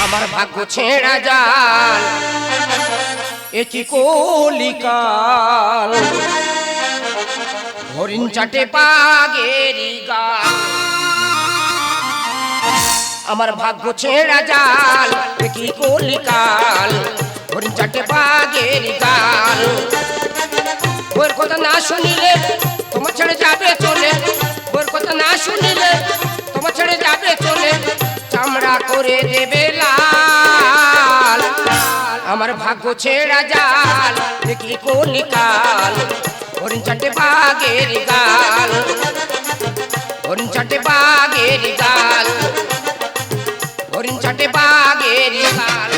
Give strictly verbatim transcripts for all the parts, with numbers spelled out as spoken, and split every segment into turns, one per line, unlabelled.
আমার ভাগ্য ছেঁড়া জাল এ কি কলিকাল হরিণ চাটে বাঘেরি গাল আমার ভাগ্য ছেঁড়া জাল এ কি কলিকাল হরিণ চাটে বাঘেরি গাল ওর কথা না শুনিলে তোমার ছেড়ে যাবে চলে ওর কথা না শুনিলে তোমার ছেড়ে যাবে চলে চামড়া করে দেবে লাল আমার ভাগ্য ছেঁড়া জাল দেখি কলিকাল হরিণ চাটে বাঘের গাল হরিণ চাটে বাঘের গাল হরিণ চাটে বাঘের গাল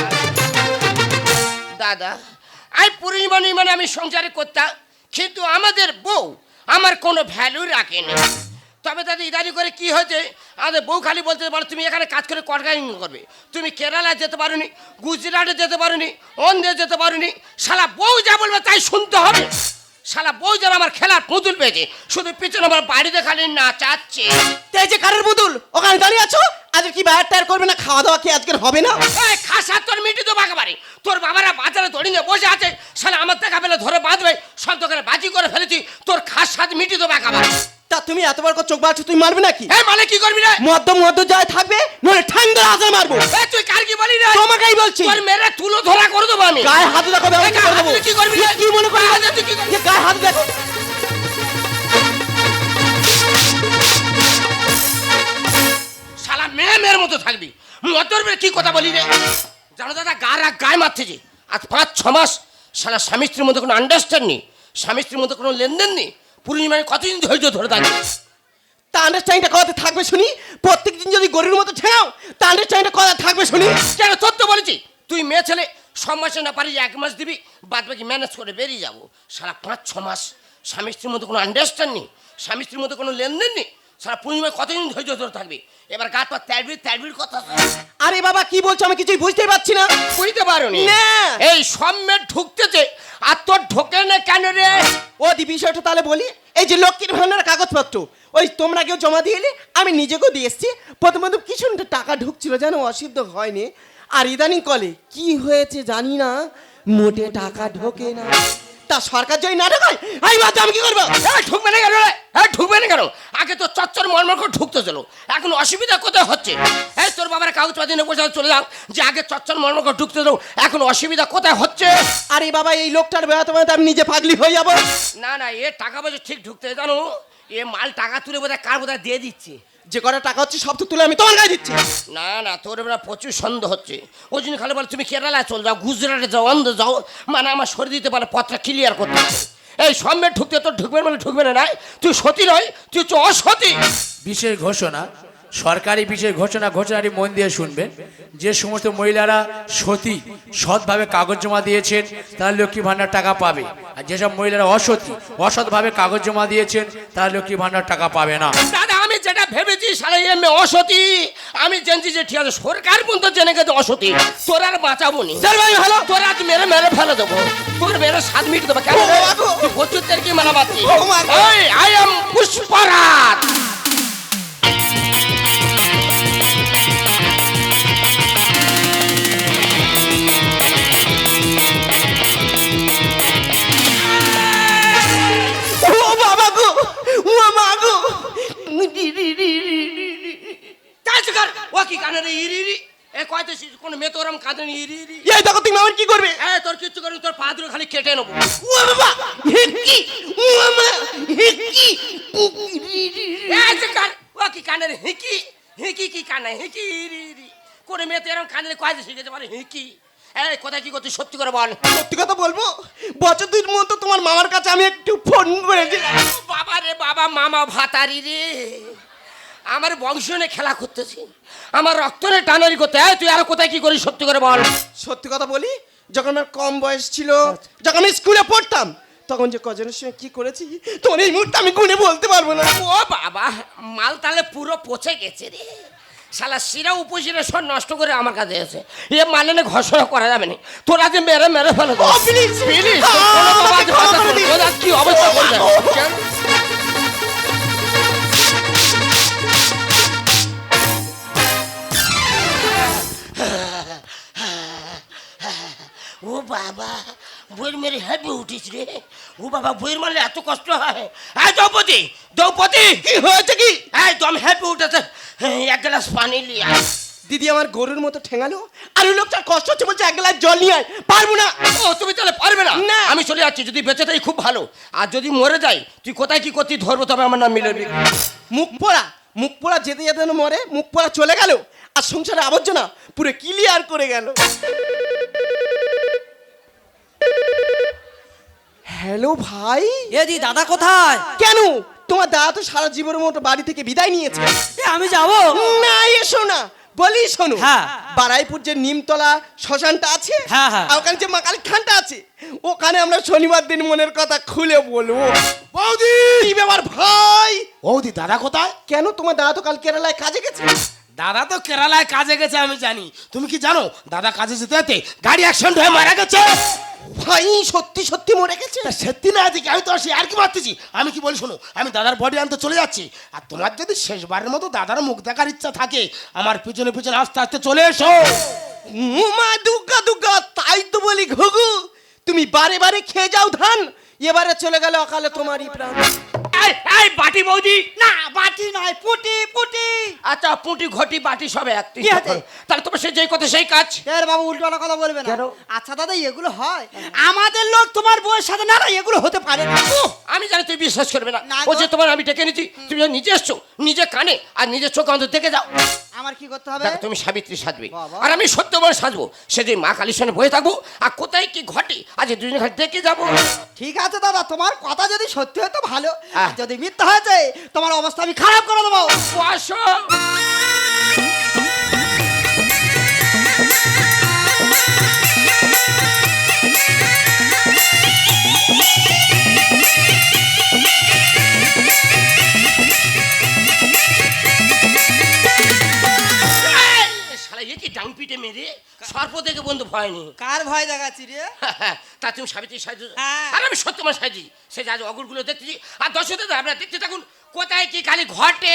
দাদা আই পরিমাণে মানে আমি সংসারে করতাম কিন্তু আমাদের বউ আমার কোনো ভ্যালু রাখেনি তবে দাদা ইদানি করে কি হয়েছে আমাদের বউ খালি বলতে পারো তুমি এখানে কাজ করে কটকা ইনকাম করবে তুমি কেরালা যেতে পারোনি গুজরাটে যেতে পারোনি অন্ধ্রে যেতে পারোনি শালা বউ যা বলবে তাই শুনতে হবে শালা বউ যেন আমার খেলার পুতুল পেয়েছে শুধু পিছনে আমার বাড়িতে খালি নাচাচ্ছে
এই যে কারের পুতুল ওখানে দাঁড়িয়ে আছো আজকে কি বাইরে টায়ার করবে না খাওয়া দাওয়া কি আজকের হবে না
এই খাসা তোর মিটি তো বাঁকাবাড়ি তোর বাবারা বাজারে দড়ি নিয়ে বসে আছে শালা আমার দেখা পেলে ধরে বাঁধবে সব দোকানে বাজি করে ফেলেছি তোর খাস সাথ মিটি তো বাঁকাবাড়ি
তা তুমি এতবার করে চোখ বাড়ছো তুই মারবে নাকি
এই মানে কি করবি রে
মদ্য মদ্য যায় থাকবে নলে ঠাং ধরে আজার মারবো
এই তুই কার কি বলি রে
তোমাকেই বলছি
তোর মেরে তুলো ধরা করে দেবো আমি
গায়ে হাত দেখো
এই গায়ে হাত দিয়ে কি করবি রে?
কি মনে করবি
গায়ে হাত দিয়ে তুই কি করবি?
এ গায়ে হাত দেখো
শালা মেয়ে মেয়ের মতো থাকবি মতর মেয়ে কি কথা বলি রে জানো দাদা গা রাগ গায়ে মারতেছি আজ পাঁচ ছ মাস শালা স্বামী স্ত্রীর মধ্যে কোনো আন্ডারস্ট্যান্ড নেই স্বামী স্ত্রীর মধ্যে কোনো লেনদেন নেই পূর্ণিমায় কতদিন ধৈর্য ধরে থাকবে
তা আন্ডারস্ট্যান্ডিংটা কথা থাকবে শুনি প্রত্যেকদিন যদি গরুর মতো ছেড়াও তা আন্ডারস্ট্যান্ডিংটা কথা থাকবে শুনি
কেন তোর তো বলেছি তুই মেয়ে ছেলে সব মাসে না পারি এক মাস দিবি বাদ বাকি ম্যানেজ করে বেরিয়ে যাবো সারা পাঁচ ছ মাস স্বামী স্ত্রীর মধ্যে কোনো আন্ডারস্ট্যান্ড নেই স্বামী স্ত্রীর মধ্যে কোনো লেনদেন নেই সারা পূর্ণিমায় কতদিন ধৈর্য ধরে থাকবে এবার গা তো ত্যাড়বির ত্যাড়বির কথা
আরে বাবা কি বলছো আমি কিছুই বুঝতেই পারছি না
বুঝতে পারোনি
না।
এই সম্মে ঢুকতেছে আর তোর ঢোকে না কেন রে
ও দি বিষয়টা তাহলে বলি এই যে লক্ষ্মীর ভান্ডার কাগজপত্র ওই তোমরা কেউ জমা দিয়ে এলে আমি নিজেকেও দিয়ে এসছি প্রথম প্রথম কিছু টাকা ঢুকছিল যেন অসিদ্ধ হয়নি আর ইদানিং কলে কি হয়েছে জানি না মোটে টাকা ঢোকে না তা সরকার যদি না ঢোকায় আমি বাদ আমি কি করবো
এই ঢুকবে না কেন রে হ্যাঁ ঢুকবে না কেন আগে তো চচ্চর মর্মর করে ঢুকতে ছিল এখন অসুবিধা কোথায় হচ্ছে এই তোর বাবার কাগজপাতি নিয়ে বসে চলে যাও যে আগে চচ্চর মর্মর করে ঢুকতে ছিল এখন অসুবিধা কোথায় হচ্ছে
আরে বাবা এই লোকটার বেড়াতে বেড়াতে আমি নিজে পাগলি হয়ে যাবো
না না এ টাকা পয়সা ঠিক ঢুকতে জানো এ মাল টাকা তুলে বোধহয় কার বোধহয় দিয়ে দিচ্ছে
যে কটা টাকা হচ্ছে সব তো তুলে আমি তোমার গায়ে দিচ্ছি
না না তোর এবার প্রচুর সন্দেহ হচ্ছে ওই জন্য খালি বলে তুমি কেরালায় চল যাও গুজরাটে যাও অন্ধ্র যাও মানে আমার সরিয়ে দিতে পারে পথটা ক্লিয়ার করতে হবে। এই সম্মে ঢুকতে তোর ঢুকবে মানে ঢুকবে না নাই তুই সতী নয় তুই হচ্ছে অসতী
বিশেষ ঘোষণা সরকারি বিশেষ ঘোষণা ঘোষণাটি মন দিয়ে শুনবেন যে সমস্ত মহিলারা সতী সৎভাবে কাগজ জমা দিয়েছেন তারা লক্ষ্মী ভাণ্ডার টাকা পাবে আর যেসব মহিলারা অসতী অসৎভাবে কাগজ জমা দিয়েছেন তারা লক্ষ্মী ভাণ্ডার টাকা পাবে না
দাদা আমি যেটা ভেবেছি সারা এমনি অসতী আমি জানছি যে ঠিক আছে সরকার পর্যন্ত জেনে গেছে অসতী তোর আর বাঁচাবো নি ভালো তোর আজ মেরে মেরে ফেলে দেবো তোর মেরে সাত মিনিট দেবো কেন প্রচুরদের কি মানা পাচ্ছি আই এম পুষ্পরাজ ও কি কানে রে ইরি ইরি এ কয়তে কোন মেয়ে তোরম কাঁদে নি ইরি ইরি
এই দেখো তুমি আমার কি করবে
এ তোর কিচ্ছু করবি তোর পা দুটো খালি কেটে নেবো
ও বাবা হিকি ও মা হিকি
এই যে কান ও কি কানে রে হিকি হিকি কি কানে হিকি ইরি ইরি কোন মেয়ে তোরম কাঁদে কয়তে শিখেছে মানে হিকি এই কোথায় কি করছিস সত্যি করে বল
সত্যি কথা বলবো বছর দুই মতো তোমার মামার কাছে আমি একটু ফোন করেছিলাম
বাবা রে বাবা মামা ভাতারি রে আমার বংশ নিয়ে খেলা করতেছি আমার রক্ত নিয়ে টানারি করতে হয় তুই আর কোথায় কি করিস সত্যি করে বল
সত্যি কথা বলি যখন আমার কম বয়স ছিল যখন আমি স্কুলে পড়তাম তখন যে কজনের সঙ্গে কি করেছি তোমার এই মুহূর্তে আমি গুনে বলতে পারবো না
ও বাবা মাল তাহলে পুরো পচে গেছে রে শালা শিরা উপশিরা সব নষ্ট করে আমার কাছে এসে এ মালেনে ঘোষণা করা যাবে না তোরা যে মেরে মেরে ফেলে
ও প্লিজ
প্লিজ কি অবস্থা করবে বাবা বইয়ের মেরে হেঁপে উঠিস রে। ও বাবা বইয়ের মারলে এত কষ্ট হয়। এই দ্রৌপদী, দ্রৌপদী
কি হয়েছে কি?
এই দম হেঁপে উঠেছে, এক গ্লাস পানি নিয়ে আয়।
দিদি আমার গরুর মতো ঠেঙালো, আর ওই লোকটার কষ্ট হচ্ছে বলছে এক গ্লাস জল নিয়ে আয়। পারবো না।
ও তুমি তাহলে পারবে না?
না।
আমি চলে যাচ্ছি, যদি বেঁচে থাকি খুব ভালো, আর যদি মরে যাই তুই কোথায় কি করতি ধরবো, তবে আমার নাম মিলবি।
মুখ পোড়া, মুখ পোড়া যেতে যেতে যেন মরে, মুখ পোড়া চলে গেল, আর সংসারে আবর্জনা পুরো ক্লিয়ার করে গেল। হ্যালো ভাই।
এদি দাদা কোথায়?
কেন? তোমার দাদা তো সারা জীবনের মতো বাড়ি থেকে বিদায় নিয়েছে।
এ আমি যাব
না এসো না, বলি শোনো।
হ্যাঁ।
বারাইপুর যে নিমতলা শ্মশানটা আছে,
হ্যাঁ, হ্যাঁ।
আর ওখানে যে মা কালী খানটা আছে, ওখানে আমরা শনিবার দিন মনের কথা খুলে বলবো।
বৌদি,
কি ব্যাপার ভাই?
বৌদি দাদা কোথায়?
কেন তোমার দাদা তো কাল কেরালায় কাজে গেছে।
দাদা তো কেরালায় কাজে গেছে আমি জানি, তুমি কি জানো দাদা কাজে যেতে যেতে গাড়ি অ্যাক্সিডেন্ট হয়ে মারা গেছে।
ভাই সত্যি সত্যি মরে গেছে?
তা সত্যি না আছে কি? আমি তো আর কি মারতেছি। আমি কি বলি শোনো, আমি দাদার বডি আনতে চলে যাচ্ছি, আর তোমার যদি শেষবারের মতো দাদার মুখ দেখার ইচ্ছা থাকে, আমার পিছনে পিছনে আস্তে আস্তে চলে এসো।
মা দুর্গা দুর্গা, তাই তো বলি ঘুঘু, তুমি বারে বারে খেয়ে যাও ধান, এবারে চলে গেল অকালে তোমারই প্রাণ।
এই এই বাটি বৌদি।
না বাটি নয়, পুটি পুটি।
আচ্ছা পুঁটি ঘটি বাটি সব এক।
কি হয়েছে?
তাহলে তোমার সে যেই কথা সেই কাজ।
এর বাবু উল্টো কথা বলবে না।
কেন?
আচ্ছা দাদা এগুলো হয়? আমাদের লোক তোমার বউয়ের সাথে না, না এগুলো হতে পারে না।
উহ, আমি জানি তুই বিশ্বাস করবে না।
না গো।
ও যে তোমার আমি ডেকে নিচ্ছি, তুমি যখন নিজে এসছো, নিজে কানে আর নিজের চোখ অন্তর দেখে যাও।
আমার কি করতে হবে?
দেখো তুমি সাবিত্রী সাজবে,
বাবা।
আর আমি সত্যবার সাজবো। সেদিন মা কালীর সঙ্গে বয়ে থাকবো, আর কোথায় কি ঘটে আজ দুজনে ঘাট দেখে যাবো।
ঠিক আছে দাদা, তোমার কথা যদি সত্যি হয় তো ভালো,
হ্যাঁ।
আর যদি মিথ্যা হয়েছে তোমার অবস্থা আমি খারাপ করে দেবো।
আসো। শালা এ কি ডাং পিটে মেরে সর্প দেখে বন্ধু ভয় নেই।
কার ভয় দেখাচ্ছি রে?
তা তুমি সাবিত্রী সাজু,
হ্যাঁ।
আর আমি সত্যমা সাজি। সে যা অগুরগুলো দেখতেছি, আর দর্শকদের আমরা দেখতে থাকুন কোথায় কি খালি ঘটে।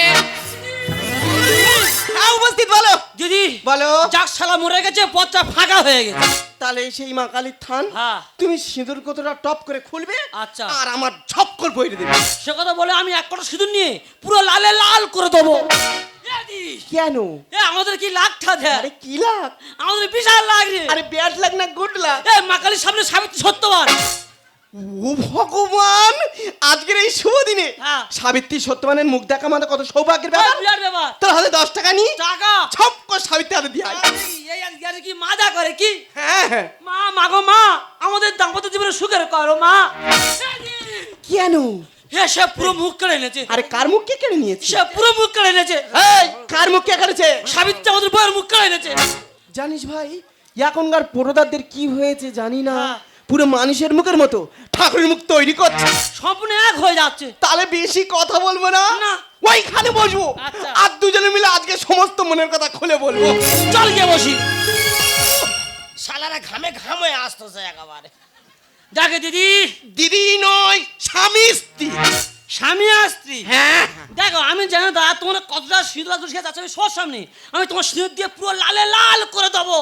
হ্যাঁ উপস্থিত বলো।
দিদি
বলো।
যাক শালা মরে গেছে, পথটা ফাঁকা হয়ে গেছে।
তাহলে সেই মা কালীর থান,
হ্যাঁ।
তুমি সিঁদুর কতটা টপ করে খুলবে,
আচ্ছা।
আর আমার ঝক্কর বইরে দেবে।
সে কথা বলে আমি এক কটা সিঁদুর নিয়ে পুরো লালে লাল করে দেবো। এ দি,
কেন?
এ আমাদের কি লাখটা দেয়?
আরে কি লাগ?
আমাদের বিশাল লাগ রে।
আরে ব্যাড লাগ না গুড লাগ?
এ মাকালির সামনে সাবিত্রী সত্যবান।
ও ভগবান, আজকের এই শুভ দিনে
হ্যাঁ।
সাবিত্রী সত্যবানের মুখ দেখা মানে কত সৌভাগ্যের
এ
ব্যাপার।
বিরাট ব্যাপার।
তোর হাতে দশ টাকা নি,
টাকা
ছপ করে সাবিত্রী হাতে দিয়ে আয়।
এই আজকে কি মাজা করে কি?
হ্যাঁ হ্যাঁ।
মা মাগো মা, আমাদের দাম্পত্য জীবনে সুখের করো মা।
কেন?
হে সে পুরো মুখ কেড়ে এনেছে।
আরে কার মুখ কে কেড়ে নিয়েছে?
সে পুরো মুখ কেড়ে এনেছে।
এই কার মুখ কে কেড়েছে?
সাবিত্রী আমাদের বউয়ের মুখ কেড়ে এনেছে।
জানিস ভাই, এখনকার পোড়োদারদের কি হয়েছে জানি না,
হ্যাঁ।
পুরো মানুষের মুখের মতো ঠাকুরের মুখ তৈরি করছে।
সম্পূর্ণ এক হয়ে যাচ্ছে।
তাহলে বেশি কথা বলবো না,
না।
ওইখানে বসবো,
আচ্ছা।
আর দুজনে মিলে আজকে সমস্ত মনের কথা খুলে বলবো।
চল গিয়ে বসি।
শালারা ঘামে ঘাম হয়ে আসতেছে একেবারে।
দেখে দিদি,
দিদি নয়, স্বামী স্ত্রী।
স্বামী আর স্ত্রী।
হ্যাঁ
দেখো আমি জানি দাদা তোমার কতটা সিঁদুর আছে যাচ্ছে, আমি সব সামনে আমি তোমার সিঁদুর দিয়ে পুরো লালে লাল করে দেবো।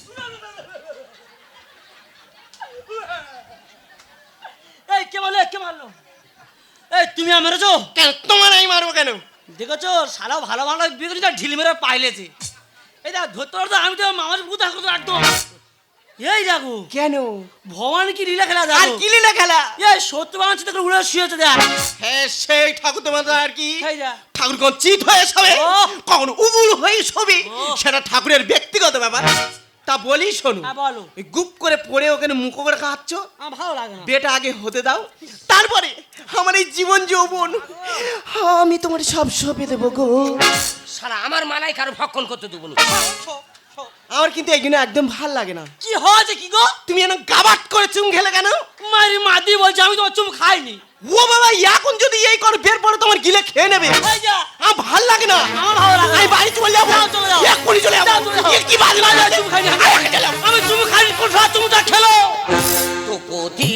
এই কে বলে কে মারলো? এই তুমি আর মেরেছো?
কেন তোমার আমি মারবো কেন?
দেখেছো সারা ভালো ভালো বিক্রিটা ঢিল মেরে পাইলেছে। এই দেখ ধরতে ধরতে আমি তো মামার বুধ করতে একদম। এই দেখো
কেন?
ভবানী কি লীলা খেলা
আর
দেখো।
কি লীলা খেলা?
এই সত্য বানাচ্ছি দেখো উড়ে শুয়েছে দেখ।
হ্যাঁ সেই ঠাকুর তোমার আর কি,
এই যা।
ঠাকুর কোন চিত হয়ে শোবে,
ও।
কখনো উবুল হয়ে শোবে,
ও।
সেটা ঠাকুরের ব্যক্তিগত ব্যাপার। তা বলি শোনো,
হ্যাঁ বলো।
ওই গুপ করে পড়ে ওখানে মুখ করে খাচ্ছ,
আমার ভালো লাগে না।
বেটা আগে হতে দাও, তারপরে আমার এই জীবন যৌবন আমি তোমার সব সঁপে দেবো গো।
শালা আমার মালাই কারো ভক্ষণ করতে দেবো না।
আমার কিন্তু এই জন্য একদম ভাল লাগে না।
কি হয়েছে কি গো?
তুমি যেন গাবাট করে চুম খেলে কেন?
মারি মাদি বলছে আমি তোমার চুম খাইনি।
ও বাবা, এখন যদি এই কর বের পরে তোমার গিলে খেয়ে নেবে,
এই যা।
আমার ভাল লাগে না।
আমার ভালো লাগে না।
আমি বাড়ি চলে যাবো,
যাও, চলে যাও।
এক্ষুনি চলে যাবো।
যাও, চলে যাও।
এ কি বাজে
না, না,
বাজে?
চুম খাইনি আমি।
আরে, আগে চলে যাবো।
আমি চুম খাইনি, কোন সময় চুমটা খেলো?
তো কোথি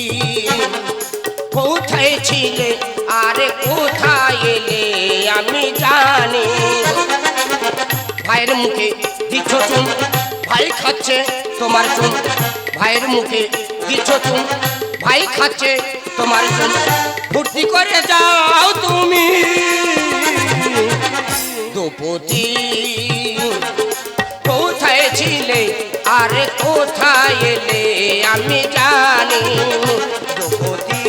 কোথায় ছিলে আরে কোথায় এলে আমি জানি। ভাইয়ের মুখে দিচ্ছ চুন, ভাই খাচ্ছে তোমার চুন, ভাইয়ের মুখে দিচ্ছ তুমি, ভাই খাচ্ছে তোমার জন্য, ফুর্তি করে যাও তুমি দুপতি। কোথায় ছিলে আর কোথায় এলে আমি জানি দুপতি,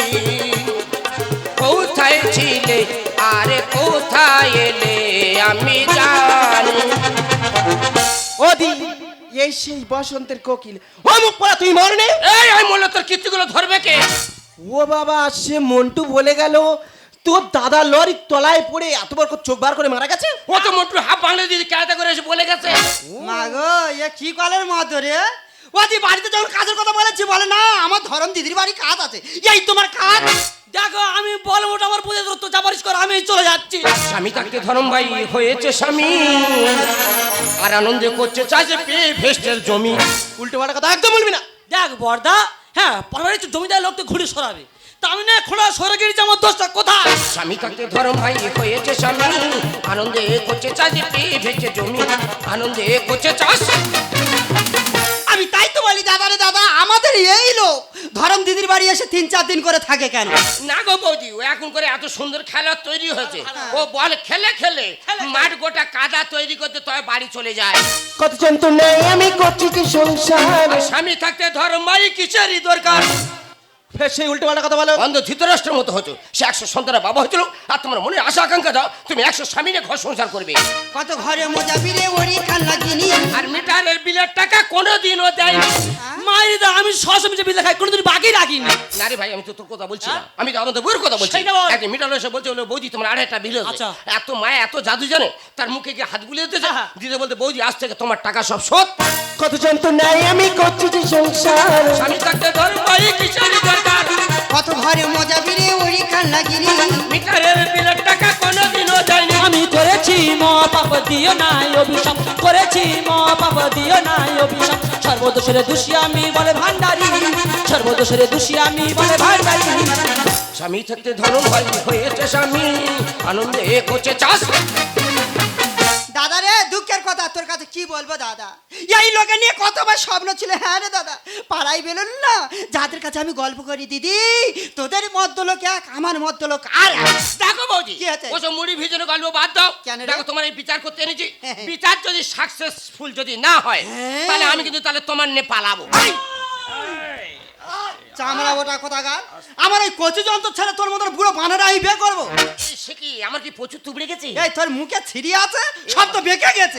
কোথায় ছিলে আর কোথায় এলে আমি জানি।
ওদি এই সেই বসন্তের কোকিল, ও মুখ পড়া তুই মরনে।
এই আমি বললো তোর কীর্তিগুলো ধরবে কে?
ও বাবা, সে মন্টু বলে গেল তোর দাদা লরির তলায় পড়ে এত বড় করে চোখ বার করে মারা গেছে।
ও তো মোটর হাফ বাংলা দিদি কেয়াটা করে এসে বলে গেছে।
মাগো এ কি কলের মতো রে? ও দি বাড়িতে যখন কাজের কথা বলেছি বলে না আমার ধরম দিদির বাড়ি কাজ আছে, এই তোমার কাজ।
দেখো আমি বল মোটা আমার পুজো তো চাপারিশ করে আমি চলে যাচ্ছি।
স্বামী থাকতে ধরম ভাই হয়েছে স্বামী, আর আনন্দে করছে চাষে পেয়ে ভেস্টের জমি।
উল্টো পাল্টা কথা একদম বলবি না।
দেখ বর্দা, হ্যাঁ পারিবারিক জমিদার লোক তো ঘুরে সরাবে, তা আমি না খোলা সরে গেছি, আমার দোষটা কোথায়?
স্বামী থাকতে ধরম ভাই হয়েছে স্বামী, আনন্দে করছে চাষে পেয়ে ভেস্টের জমি, আনন্দে করছে চাষ।
আমি তাই তো বলি দাদা রে দাদা, আমাদের এই লোক ধরম দিদির বাড়ি এসে তিন চার দিন করে থাকে কেন?
না গো বৌদি, ও এখন করে এত সুন্দর খেলা তৈরি হয়েছে, ও বল খেলে খেলে মাঠ গোটা কাদা তৈরি করতে তবে বাড়ি চলে যায়।
কত যন্ত্রণায় আমি করছি কি সংসার।
আর স্বামী থাকতে ধরম ভাই কিসেরই দরকার?
ফের সেই উল্টো পাল্টা কথা বলো।
অন্ধ ধৃতরাষ্ট্রের মতো হতো, সে একশো সন্তানের বাবা হয়েছিল, আর তোমার মনে আশা আকাঙ্ক্ষা দাও তুমি একশো স্বামী নিয়ে ঘর সংসার করবে।
কত ঘরে মজা বিরে ওরি কান লাগিনি,
আর মিটারের বিলের টাকা কোনোদিনও দেয়নি।
মায়ের দা আমি সস মিশে বিলে খাই, কোনোদিন বাকি রাখিনি।
না রে ভাই, আমি তো তোর কথা বলছি না, আমি তো আমাদের বউয়ের কথা বলছি।
সেইটা বল।
একদিন মিটার এসে বলছে হলো বৌদি তোমার আড়াইটা বিল হয়েছে।
আচ্ছা।
এত মায়া এত জাদু জানে, তার মুখে গিয়ে হাত বুলিয়ে দিতেছে,
হ্যাঁ।
দিতে বলতে বৌদি আজ থেকে তোমার টাকা সব শোধ।
কত যন্ত্রণায় আমি করছি কি সংসার।
স্বামী থাকতে ধরো ভাই কিসেরই দরকার?
কত ঘরে মজা বিরে ওরি কান লাগিনি,
মিটারের বিলের টাকা কোনোদিনও দেয়নি।
আমি করেছি ম পাপ দিও নাই অভিশাপ, করেছি ম পাপ দিও নাই অভিশাপ, সর্বদোষের দোষী আমি বলে ভান্ডারি, সর্বদোষের দোষী আমি বলে ভান্ডারি।
স্বামী থাকতে ধরো ভাই হয়েছে স্বামী, আনন্দে করছে চাষ।
দাদা রে দুঃখের কথা তোর কাছে কি বলবো দাদা, এই লোকে নিয়ে কতবার স্বপ্ন ছিল। হ্যাঁ রে দাদা, পাড়াই বেলুন না যাদের কাছে আমি গল্প করি, দিদি তোদের মধ্য লোক এক, আমার মধ্য লোক আর এক।
দেখো বৌদি,
কি হয়েছে?
ওসব মুড়ি ভিজানো গল্প বাদ দাও।
কেন রে?
দেখো তোমার এই বিচার করতে এনেছি,
হ্যাঁ, হ্যাঁ।
বিচার যদি সাকসেসফুল যদি না হয়,
হ্যাঁ।
তাহলে আমি কিন্তু তাহলে তোমার নে পালাবো।
চামড়া ওটা কোথাকার, আমার ওই কচু যন্ত্র ছেড়ে তোর মতন বুড়ো বানারা আমি বিয়ে করবো?
এই সে কি, আমার কি প্রচুর তুবড়ে গেছে?
এই তোর মুখে ছিড়ি আছে, সব তো বেঁকে গেছে।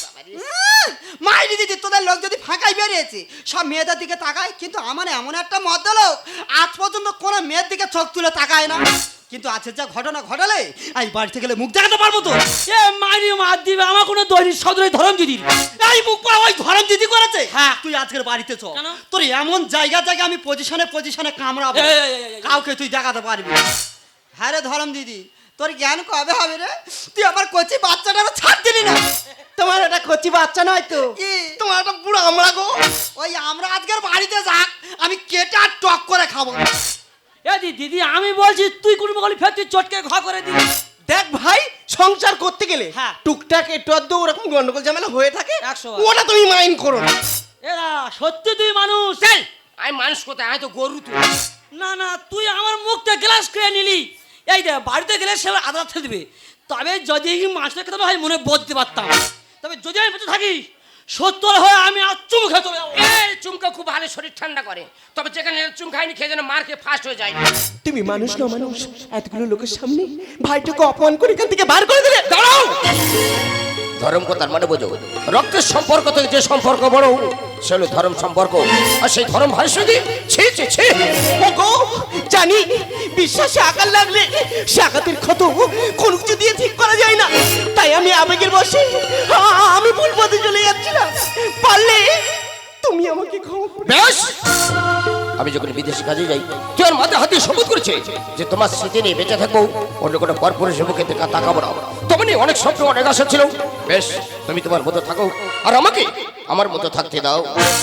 মাইরি দিদি তোদের লোক যদি ফাঁকাই বেরিয়েছে, সব মেয়েদের দিকে তাকায়, কিন্তু আমার এমন একটা মদ্য লোক আজ পর্যন্ত কোনো মেয়ের দিকে চোখ তুলে তাকায় না। কিন্তু আজকের যা ঘটনা ঘটালে এই বাড়িতে গেলে মুখ দেখাতে পারবো তো?
এ মারি মার দিবে, আমার কোনো দৈনিক সদরে ধরম দিদির।
এই মুখ পড়া ওই ধরম দিদি করেছে।
হ্যাঁ।
তুই আজকের বাড়িতে চ,
কেন?
তোর এমন জায়গা জায়গা আমি পজিশনে পজিশনে কামড়াবো,
এই, এই, এই, এই।
কাউকে তুই দেখাতে পারবি না। হ্যাঁ রে ধরম দিদি, তোর জ্ঞান কবে হবে রে? তুই আমার কচি বাচ্চাটা ছাড় দিলি না।
তোমার এটা কচি বাচ্চা নয় তো,
কি?
তোমার একটা বুড়ো আমরা গো।
ওই আমরা আজকের বাড়িতে যাক, আমি কেটে আর টক করে খাবো।
এ দি- দিদি আমি বলছি তুই কোনো গলি ফের তুই চটকে ঘা করে দিবি।
দেখ ভাই, সংসার করতে গেলে
হ্যাঁ।
টুকটাক একটু আধটু ওরকম গন্ডগোল ঝামেলা হয়ে থাকে,
একশো বার।
ওটা তুমি মাইন্ড করো না।
এরা সত্যি তুই মানুষ?
এই, আমি মানুষ কোথায়, আমি তো গরু তুই।
না না, তুই আমার মুখটা গ্লাস খেয়ে নিলি। এই দে বাড়িতে গেলে সে আদা ফেলে দিবে, তবে যদি মাছটা খেতে হয় মনে বলতে পারতাম, তবে যদি আমি বেঁচে থাকি সত্তর হয়ে আমি আর চুমু খেয়ে চলে যাবো।
এই চুমকা খুব ভালো শরীর ঠান্ডা করে, তবে যেখানে চুম খাইনি খেয়ে যেন মার খেয়ে ফাস্ট হয়ে যায়।
তুমি মানুষ না মানুষ, এতগুলো লোকের সামনে ভাইটাকে অপমান করে এখান থেকে বার করে দিলে।
দাঁড়াও, ধর্ম কথার মানে বোঝো, রক্তের সম্পর্ক থেকে যে সম্পর্ক বড় সে হলো ধর্ম সম্পর্ক, আর সেই ধর্ম ভাইয়ের সঙ্গে ছি ছি ছি।
ওগো জানি বিশ্বাসে আঘাত লাগলে সে আঘাতের ক্ষত কোনো কিছু দিয়ে ঠিক করা যায় না, তাই আমি আবেগের বশে আ- আমি ভুল পথে চলে যাচ্ছিলাম। পারলে তুমি আমাকে ক্ষমা করে
বেশ, আমি যখন বিদেশে কাজে যাই তুই আমার মাথা হাতে শপথ করেছে যে তোমার স্মৃতি নিয়ে বেঁচে থাকবো, অন্য কোনো পরপুরুষের মুখে দেখা তাকাবো না। তেমনি অনেক স্বপ্ন অনেক আশা ছিল। বেশ, তুমি তোমার মতো থাকো আর আমাকে আমার মতো থাকতে দাও।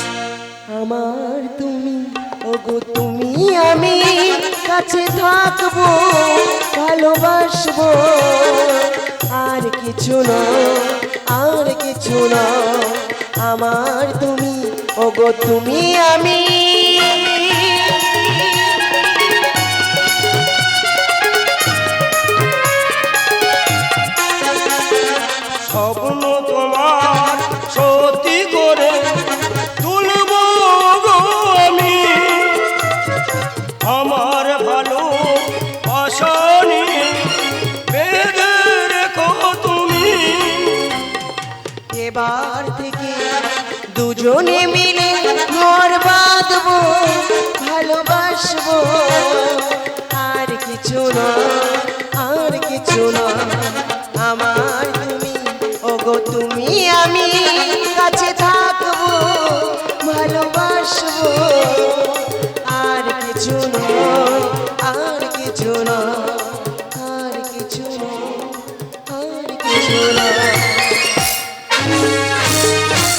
আমার তুমি, ওগো তুমি আমি কাছে থাকবো, ভালোবাসবো, আর কিছু না, আর কিছু না, আমার তুমি ওগো তুমি আমি
স্বপ্ন তোমার সত্যি করে তুলব গো আমি, আমার ভালো আশানি বেঁধে রেখো তুমি।
এবার থেকে দুজনে মিলে ঘর বাঁধবো, ভালোবাসবো, আর কিছু না, আর কিছু না। আমার তুমি ওগো তুমি আমি কাছে থাকবো, ভালোবাসবো, আর কিছু না, আর কিছু না, আর কিছু না, আর কিছু না।